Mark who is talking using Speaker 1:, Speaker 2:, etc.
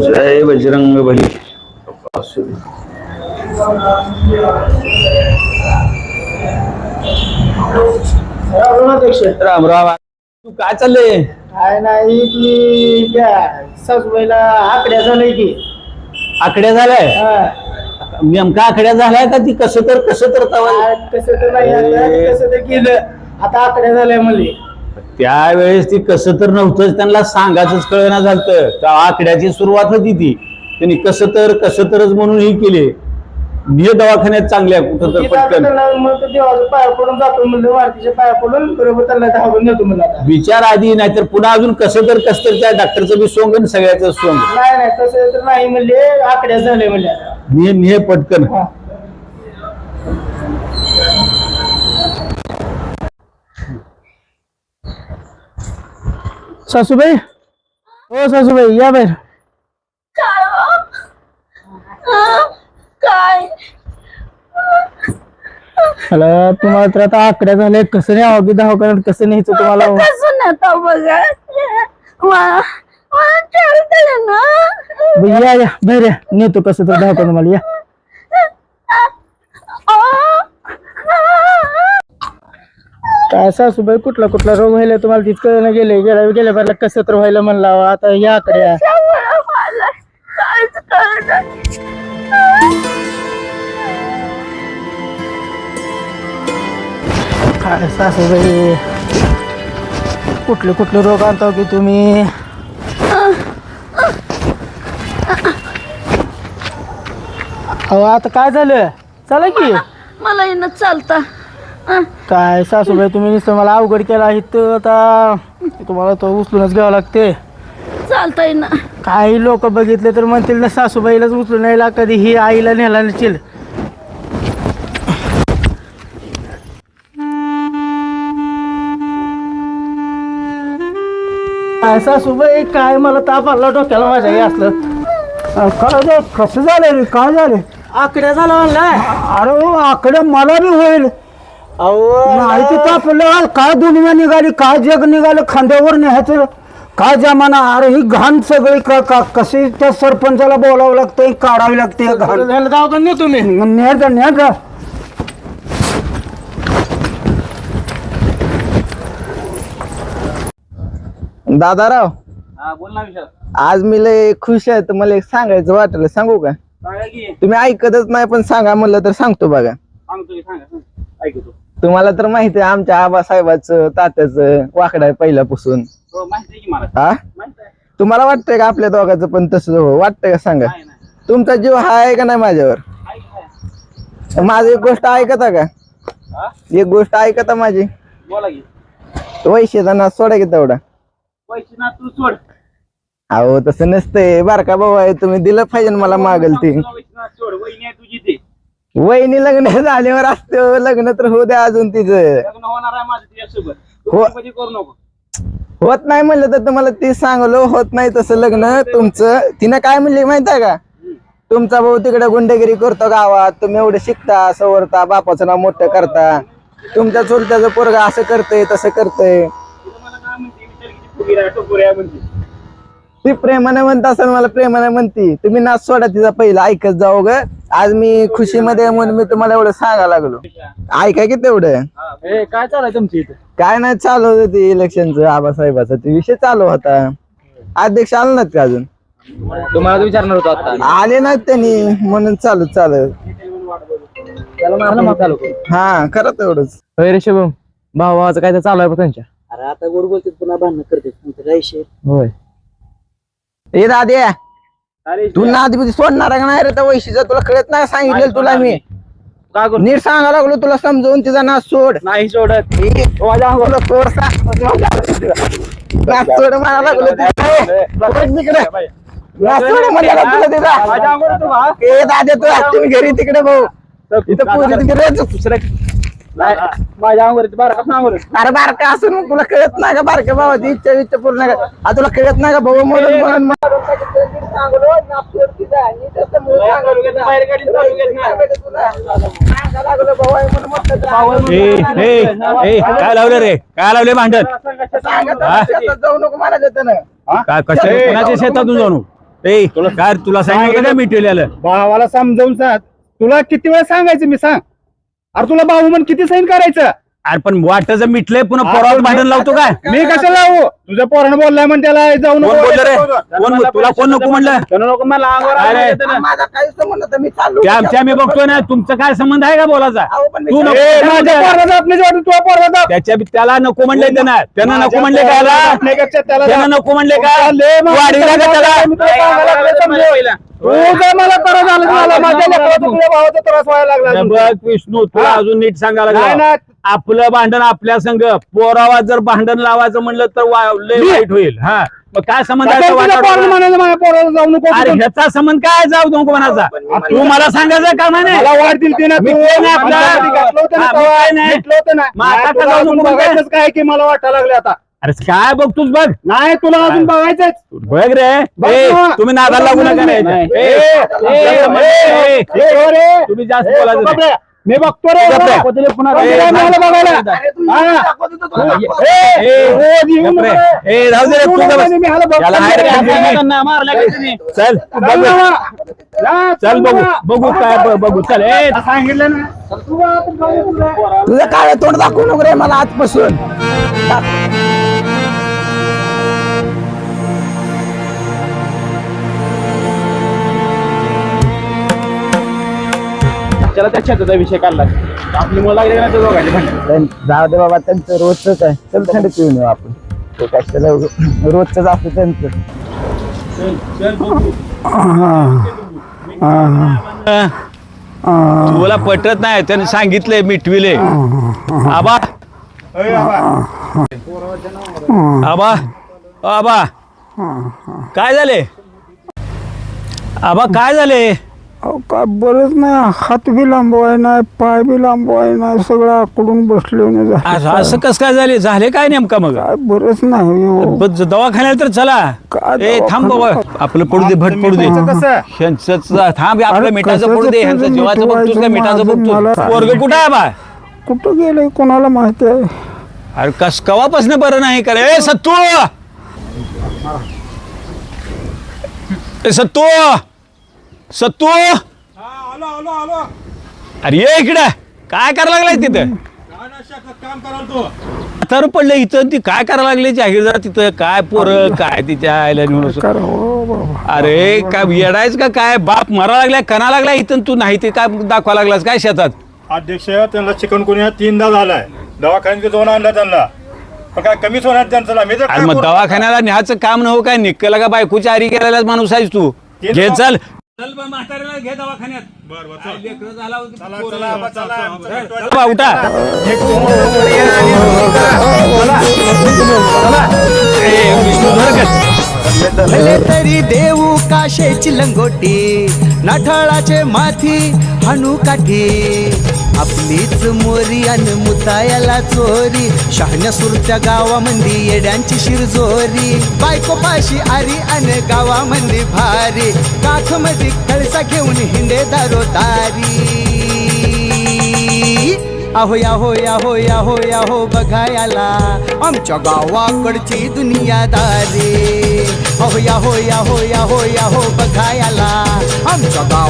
Speaker 1: जय बजरंग बली. राम राम. तू काय चाललंय?
Speaker 2: काय नाही ती त्या सासूबाईला आकड्या झालंय की.
Speaker 1: आकड्या झालाय? नेमका आकड्या झालाय का ती कसं तर
Speaker 2: कसं तर नाही आता, कसं तर केलं आता आकड्या झाल्या म्हणले.
Speaker 1: त्यावेळेस ती कसं तर नव्हतंच, त्यांना सांगायचंच कळना झालं. त्या आकड्याची सुरुवात होती ती, त्यांनी कसं तरच म्हणून ही केली. निय दवाखान्यात चांगल्या कुठं तर पटकन
Speaker 2: मग देवाच्या पाया पडून जातो म्हणलं, मारुतीच्या पाया पडून बरोबर त्यांना धावून नेतो म्हणलं.
Speaker 1: विचार आधी, नाहीतर पुन्हा अजून कसं तर त्या डॉक्टरचं बी सोंग आणि सगळ्याचं सोंग.
Speaker 2: नाही तसं तर नाही म्हणले, आकड्या झाले म्हणले.
Speaker 1: निय पटकन.
Speaker 2: सासूबाई, हो सासूबाई या बाहेर.
Speaker 3: काय
Speaker 2: मला तुम्हाला तर आता आकड्या झाले, कसं नाही अवघी दवाखान्यात कसं न्यायचं तुम्हाला?
Speaker 3: कसं नव्हता बघा
Speaker 2: या या बाहेर या, नेतो कसं तर दवाखान्यात मला. या काय सासूबाई, कुठला रोग व्हायला तुम्हाला तितकं न गेले गेल्या बारला कसं तर व्हायला म्हणला. आता या आकड्या काय सासूबाई, कुठले रोग आणता की तुम्ही? अहो आता काय झालं? चला की.
Speaker 3: मला येणं चालता.
Speaker 2: काय सासूबाई, तुम्ही नुसतं मला अवघड केला इथं, आता तुम्हाला तो उचलूनच घ्यावं लागते.
Speaker 3: चालता येईना.
Speaker 2: काही लोक बघितले तर म्हणतील ना सासूबाईलाच उचलून यायला, कधी ही आईला नेला नसेल. काय सासूबाई, काय मला ताप आला डोक्याला माझ्या हे असलं. काय कसं झालं रे? काय झालं? आकड्या झाला म्हणलाय. अरे आकड्या मला बी होईल. नाही ते तापलं, काय दुनिया निघाली, काय जग निघालं खांद्यावर न्यायचं, काय जमाना. अरे ही घाण सगळी कशी त्या सरपंचाला बोलावं लागतंय, काढावी लागते घाण. तुम्ही न्या
Speaker 4: दादाराव,
Speaker 1: बोल ना विचार.
Speaker 4: आज मी लय खुश आहे. तर मला एक सांगायचं वाटलं, सांगू का? तुम्ही ऐकतच नाही, पण सांगा म्हणलं तर सांगतो बघा.
Speaker 1: ऐकतो.
Speaker 4: तुम्हाला तर माहिती आहे आमच्या आबासाहेबाचं तात्याचं वाकडा आहे पहिल्यापासून. हा, तुम्हाला वाटतंय का आपल्या दोघांचं पण तसं वाटतंय का? सांगा. तुमचा जीव आहे का नाही माझ्यावर? माझी एक गोष्ट ऐकता का? एक गोष्ट ऐकता माझी? वैशीचा नाच सोडा की तेवढा.
Speaker 1: तू सोड.
Speaker 4: अहो तसं नसतंय, बारका भाऊ आहे, तुम्ही दिलं पाहिजे मला मागल ती.
Speaker 1: तुझी ते
Speaker 4: वहिनी लग्न झाल्यावर असतं, लग्न तर होऊ द्या अजून तिचं.
Speaker 1: होणार आहे माझं तुझ्यासोबत. करू नको.
Speaker 4: होत नाही म्हणलं तर तुम्हाला ती सांगलो, होत नाही तसं लग्न तुमचं. तिनं काय म्हणली माहित आहे का? तुमचा भाऊ तिकडे गुंडगिरी करतो गावात, तुम्ही एवढे शिकता सवरता, बापाचं नाव मोठं करता, तुमच्या चुलत्याचं पोरगा असं करतय तसं करतय. ती प्रेमाने म्हणत असेल, मला प्रेमाने म्हणती. तुम्ही नाच सोडा तिचा पहिला, ऐकत जाऊ ग. आज मी खुशीमध्ये म्हणून मी तुम्हाला एवढं सांगायला लागलो, ऐका की तेवढं.
Speaker 2: काय चालू तुमची इथे?
Speaker 4: काय नाही, चालू होतं ते इलेक्शनचं, आबासाहेबाचा ते विषय चालू होता. अध्यक्ष आले नाहीत का अजून?
Speaker 2: तुम्हाला विचारणार होतो आता.
Speaker 4: आले नाहीत त्यांनी, म्हणून चालू हा खरं तेवढंच.
Speaker 2: रे शुभम, भावाचं काय तर चालू आहे त्यांच्या?
Speaker 5: अरे आता गोड बोलते, पुन्हा भांडण करते.
Speaker 2: होय.
Speaker 4: ए दाद्या, तू नादी सोडणार का नाही रे त्या वैशीचा? तुला कळत नाही सांगितलं तुला मी? नीट सांगा लागलो तुला समजवून, तिचा नाच सोड.
Speaker 2: नाही सोडत.
Speaker 4: नाच सोड म्हणा लागलो दाद्या, तू असतील घरी तिकडे भाऊ, इथं पोरी तिकडे.
Speaker 2: माझ्या अंगावरती
Speaker 4: अरे बारका असून मग तुला कळत नाही का बारक्या भावाची इच्छा पूर्ण का? तुला कळत नाही का भाऊ म्हणून?
Speaker 1: काय लावलं रे? काय लावले भांडण?
Speaker 4: जाऊ नको मला देत ना.
Speaker 1: काय कशा कोणाच्या शेतातून जाऊ? ए काय तुला सांगितलं का मिटवलेलं
Speaker 2: भावाला समजावून सांग. तुला किती वेळा सांगायचं मी सांग. अरे तुला भाऊ म्हणून किती सैन करायचं.
Speaker 1: अरे पण वाटाचं मिटलंय पुन्हा पोरावर भांडण लावतो काय
Speaker 2: मी कसं लावू. तुझ्या पोरानं बोललाय म्हण त्याला जाऊन
Speaker 1: कोण बोललं रे कोण तुला कोण नको म्हणलं
Speaker 2: नको मला अंगावर
Speaker 1: अरे,
Speaker 2: आलं येतं ना.
Speaker 4: माझा काही संबंध नाही, मी चाललो
Speaker 1: त्या आमच्या मी बघतोय ना तुमचं काय संबंध आहे का बोलायचा
Speaker 4: अहो, पण मी
Speaker 1: तू नको
Speaker 2: ए, माझ्या पोराला जात नाही जेवढं तुझ्या पोराला जात.
Speaker 1: त्याला नको म्हणले त्यांना नको म्हणले
Speaker 2: माझ्या
Speaker 1: काय
Speaker 2: पोराला आपल्यापेक्षा त्याला
Speaker 1: त्यांना
Speaker 2: जात.
Speaker 1: नको म्हणले का
Speaker 2: लय माणसं
Speaker 1: वाढीला का त्याला
Speaker 2: मी तुला सांगायला लागलो समजू. तू जर मला त्रास झाला तर मला माझ्या लेकराचा तुझ्या भावाचा त्रास व्हायला लागला
Speaker 1: हे
Speaker 2: अजून.
Speaker 1: बघ विष्णू तुला अजून नीट सांगायला
Speaker 2: नाही
Speaker 1: लागलं
Speaker 2: ना.
Speaker 1: आपलं भांडण आपल्या संघ पोरावा जर भांडण लावायचं म्हणलं तर लय वाईट होईल हा मग काय संबंध आहे
Speaker 2: आता
Speaker 1: तो
Speaker 2: तुझ्या पोराला
Speaker 1: वाटाडा?
Speaker 2: म्हणायला माझ्या पोराला जाऊ नको.
Speaker 1: अरे ह्याचा संबंध काय जाऊ नको म्हणाचा तू मला सांगायचं का म्हणे
Speaker 2: मला वाढ दिली ना तू.
Speaker 1: मिटलं नाही आपलं.
Speaker 2: माझ्यासाठी घातलं होतं ना
Speaker 1: हा,
Speaker 2: तेव्हा.
Speaker 1: मिटलं नाही.
Speaker 2: मिटलं होतं ना.
Speaker 1: मग आता
Speaker 2: नाही,
Speaker 1: का
Speaker 2: तुला
Speaker 1: जाऊ
Speaker 2: अजून
Speaker 1: नको म्हणताय?
Speaker 2: बघायचंच काय की मला वाटायला लागले आता.
Speaker 1: अरे काय बघतोस बघ
Speaker 2: नाही तुला अजून बघायचंच.
Speaker 1: बघ रे
Speaker 2: बघ
Speaker 1: ए,
Speaker 2: ना.
Speaker 1: तुम्ही नादाला लागू नका रे.
Speaker 2: नाही.
Speaker 1: ए, ए, ए, तुम्ही जास्त बोलायचं नाही.
Speaker 2: बापरे, मी बघतो रे
Speaker 1: गप्प रे.
Speaker 2: पुन्हा
Speaker 1: ए,
Speaker 2: मला बघायला.
Speaker 4: अरे तू
Speaker 2: हा.
Speaker 4: दाखवत होता तुला.
Speaker 1: ए, ए,
Speaker 2: रोज येऊन
Speaker 1: गप्प रे.
Speaker 2: मला-
Speaker 1: ए, राहू दे रे,
Speaker 2: तू
Speaker 1: तू
Speaker 2: नको
Speaker 1: बस.
Speaker 2: नाही, मी ह्याला बघतो.
Speaker 1: याला हाय रे,
Speaker 2: जा,
Speaker 1: चल
Speaker 2: जा,
Speaker 1: बघू
Speaker 2: जा,
Speaker 1: चल बघू
Speaker 2: जा.
Speaker 1: बघू काय बघू चल ए
Speaker 2: सांगितलं ना. तू आता जाऊ नको.
Speaker 4: तुझं काय तोंड दाखवू नको रे मला आजपासून.
Speaker 2: त्याला त्या छताचा विषय काढला. आपली मुलं लागली ना त्या दोघांची भांडण.
Speaker 4: जाऊ दे बाबा त्यांचं रोजच आहे. चल थंड पिऊन येऊ आपण. ते कशाला रोजच असतं त्यांचं.
Speaker 1: तुला पटत नाही त्याने सांगितलंय मिटविले आबा आबा आबा काय झाले आबा काय झाले
Speaker 2: अहो काय बरंच नाही. हात बी लांबवाय नाही, पाय बी लांबवाय नाही, सगळं आकडून बसले
Speaker 1: असं कस काय झाले झाले काय नेमका मग
Speaker 2: काय बरंच नाही हो.
Speaker 1: दवाखान्यात तर चला
Speaker 2: काय
Speaker 1: ए थांब बाबा आपलं पडू दे भट पडू दे ह्यांचं थांब आपलं
Speaker 2: अरे
Speaker 1: मिठाचं
Speaker 2: कशाचं
Speaker 1: पडू दे ह्यांचं
Speaker 2: तुझं
Speaker 1: जेवाचं बघतोस का मिठाचं
Speaker 2: मिटवायचं
Speaker 1: बघतो
Speaker 2: मला-
Speaker 1: वर्ग कुठं आहे बा
Speaker 2: कुठं गेले कोणाला माहिती आहे.
Speaker 1: अरे कस कवापासून बरं नाही करे ए सत्तू ए सत्तू सत्तू अरे ये इकडे काय करायला लागलाय तिथं तर पडलं इथं ती काय करायला लागली जाहीर तिथं काय पोरं काय तिच्या आयला नेऊन
Speaker 2: कर हो बाबा.
Speaker 1: अरे काय येडायच का काय बाप मरा लागलाय कणा लागलाय इथं तू नाही ते काय दाखवा लागलास काय शेतात
Speaker 6: अध्यक्ष त्यांना चिकनगुन्हा 3दा झालाय. दवाखान्यात जाऊन आणला त्यांना पण काय कमीच होणार त्यांचं ना. मी तर
Speaker 1: अरे
Speaker 6: काय
Speaker 1: मग
Speaker 6: करू?
Speaker 1: दवाखान्याला न्यायचं काम नव्हतं काय निकला का बायकोची आरी केलेलाच माणूस आहेस तू घे चल म्हाताऱ्याला घे दवाखान्यात
Speaker 6: चला, चला, आबा, चला.
Speaker 1: उठा
Speaker 7: भले तरी देऊ काशेची लंगोटी नाठाळाचे माथी हाणू काठी आपलीच मोरी अन मुतायाला चोरी शहाण्या सुरत्या गावामंदी येड्यांची शिरजोरी बायको पाशी आरी अन गावामंदी भारी काख मध्ये कळसा घेऊन हिंडे दारोदारी आहो याहो याहो याहो याहो बघायला आमच्या गावाकडची दुनियादारी अहो याहो याहो याहो याहो बघायला आमच्या गाव